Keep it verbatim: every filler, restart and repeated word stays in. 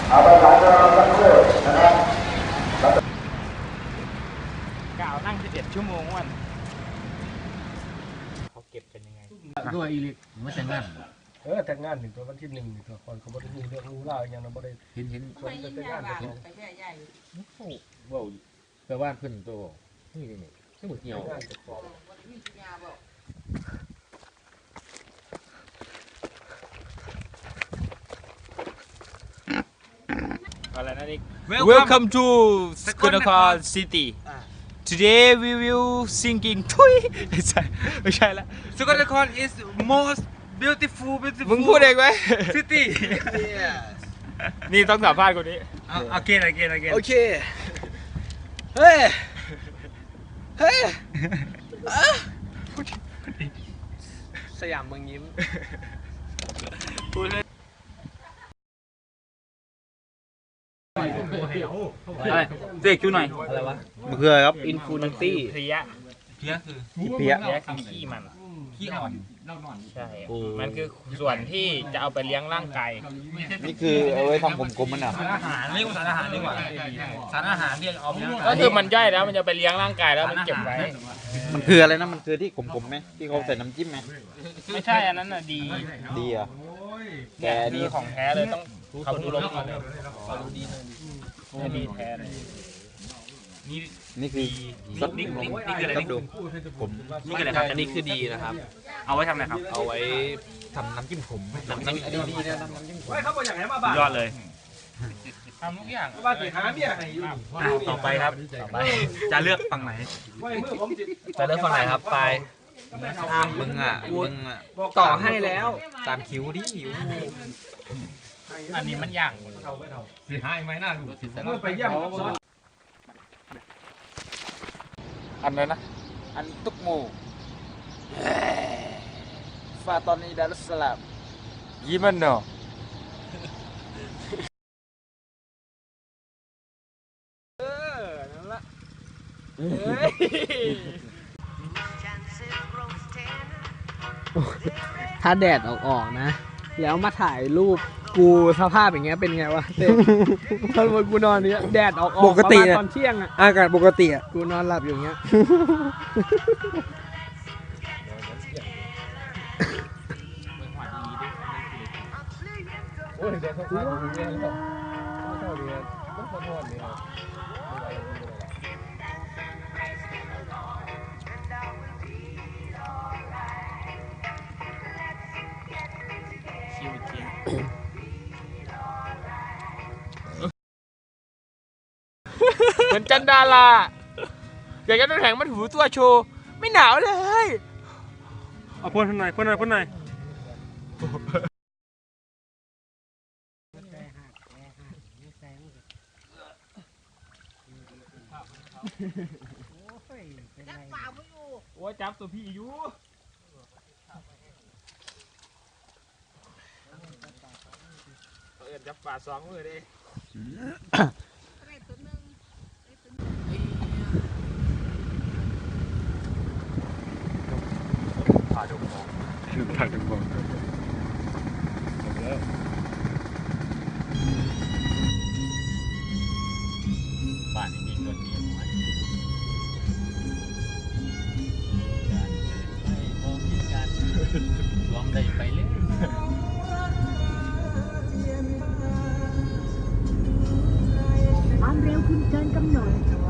เอาประสานงานสักครู่นะครับกล่าวนั่งสิบเอ็ดชั่วโมงวันเขาเก็บกันยังไงด้วยอีลิกมันแต่งงานเออแต่งงานหนึ่งตัววันที่หนึ่งหนึ่งตัวคนเขาบอกดูเรื่องรู้เล่าอย่างนั้นบ่ได้เห็นเห็นคนจะแต่งงานกันว่าแปลว่าเพื่อนตัวนี่นี่ซึ่งหมดเหี่ยวอะไรนะนี่ Welcome to Skunakar City Today we will singing ทุยไม่ใช่ไม่ใช่ละ Skunakar is most beautiful beautiful มึงพูดเองไหม city นี่ต้องสัมภาษณ์คนนี้ again again again โอเค เฮ้ย เฮ้ยสยามเมืองยิ้มอะไรเจ๊คิวหน่อยอะไรวะมันคืออะไรครับอินฟูนันตี้เพลียเพี้ยคือเพี้ยเพลียคือขี้มันขี้อ่อนใช่ มันคือส่วนที่จะเอาไปเลี้ยงร่างกายนี่คือเอาไว้ทำกลมๆมันอ่ะสารอาหารเรียกว่าสารอาหารดีกว่าสารอาหารที่เอาไปก็คือมันย่อยแล้วมันจะไปเลี้ยงร่างกายแล้วมันเก็บไว้มันคืออะไรนะมันคือที่กลมๆไหมที่เขาใส่น้ำจิ้มไหมไม่ใช่อันนั้นน่ะดีดีอ่ะแต่นี่ของแท้เลยต้องเขาดูลมก่อนเลยนี่ดีแท้เลยนี่นี่คือนี่นี่นี่คืออะไรต้องดูนี่คืออะไรครับอันนี้คือดีนะครับเอาไว้ทำอะไรครับเอาไว้ทำน้ำจิ้มขมน้ำจิ้มดีๆนะน้ำจิ้มขมยอดเลยทำทุกอย่างต่อไปครับต่อไปจะเลือกฝั่งไหนจะเลือกฝั่งไหนครับไปมึงอ่ะมึงอ่ะต่อให้แล้วตามคิวดิคิวอันนี้มันย่างอันนั้นนะอันตุกโมฟาตอนนี้ดารุสลามยี่มันเนาะเออนั่นละถ้าแดดออกออกนะแล้วมาถ่ายรูปกูสภาพอย่างเงี้ยเป็นไงวะเต้ตอนวันกูนอนเนี้ยแดดออกออกปกติตอนเที่ยงอะอากาศปกติอะกูนอนหลับอยู่เงี้ยโอ้ยเดี๋ยวเขาพาไปดูเรื่องแล้วไม่เท่าเรียนต้องขอโทษเลยครับชิวจริงเหมือนจันดาราอยากจะน้ำแข็งมันหูตัวโชว์ไม่หนาวเลยเอาพ่นหน่อยพ่นหน่อยพ่นหน่อยโอ้ยจับตัวพี่อยู่เอิญจับป่าสองมือดิผ่าดุมมองผ่าดุมมองบ้านนี้มีคนเดียวมันรวมได้ไปเลยความเร็วคุณเกินกำหนด